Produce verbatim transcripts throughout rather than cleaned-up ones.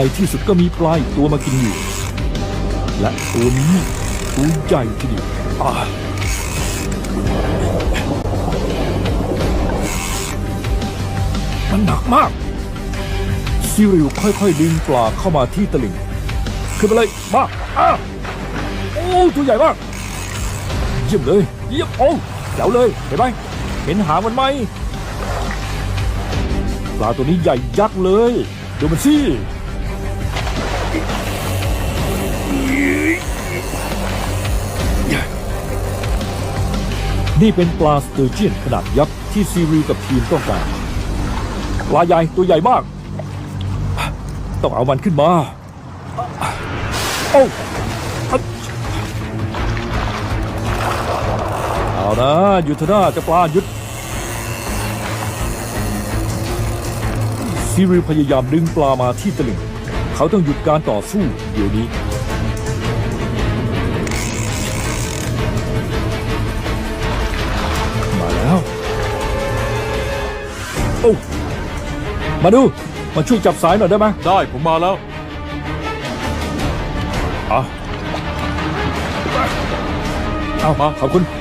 ในที่สุดก็มีปลาอีกตัวมากินอยู่และตัวนี้ตัวใหญ่ทีเดียวอ่ามันหนักมากซิริวค่อยๆดึงปลาเข้ามาที่ตลิ่งขึ้นไปเลยมาอ้าโอ้ตัวใหญ่มากเยี่ยมเลยเยี่ยมโอ้เจ๋วเลยเห็นไหมเห็นหางมันไหมปลาตัวนี้ใหญ่ยักษ์เลยดูมันสินี่เป็นปลาสเตอร์เจียนขนาดยักษ์ที่ซีริวกับทีมต้องการปลาใหญ่ตัวใหญ่มากต้องเอามันขึ้นมาโอ้เอานะหยุดเถอะนะเจ้าปลาหยุดซีริวพยายามดึงปลามาที่ตลิ่งเขาต้องหยุดการต่อสู้เดี๋ยวนี้มาแล้วโอ้มาดูมาช่วยจับสายหน่อยได้ไหมได้ผมมาแล้วอ่ะเอามาขอบคุณ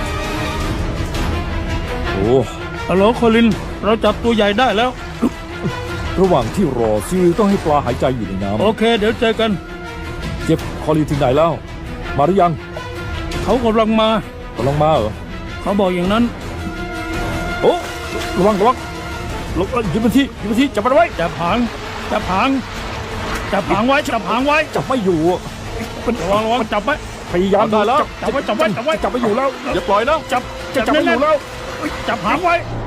โอ้ฮัลโหลโคลินเราจับตัวใหญ่ได้แล้วระหว่างที่รอซิลต้องให้ปลาหายใจอยู่ในน้ำโอเคเดี๋ยวเจอกันเจ็บคอลินถึงไหนแล้วมาหรือยังเขากำลังมากำลังมาเหรอเขาบอกอย่างนั้นโอ้ระวังระวังลงยืนบนที่ยืนบนที่จับมันไว้จับหางจับหางจับหางไว้จับหางไว้จับไม่อยู่ระวังระวังจับไว้พยายามได้แล้วจับไว้จับไว้จับไว้จับไม่อยู่แล้วอย่าปล่อยนะจับจับไม่อยู่แล้วจับหางไว้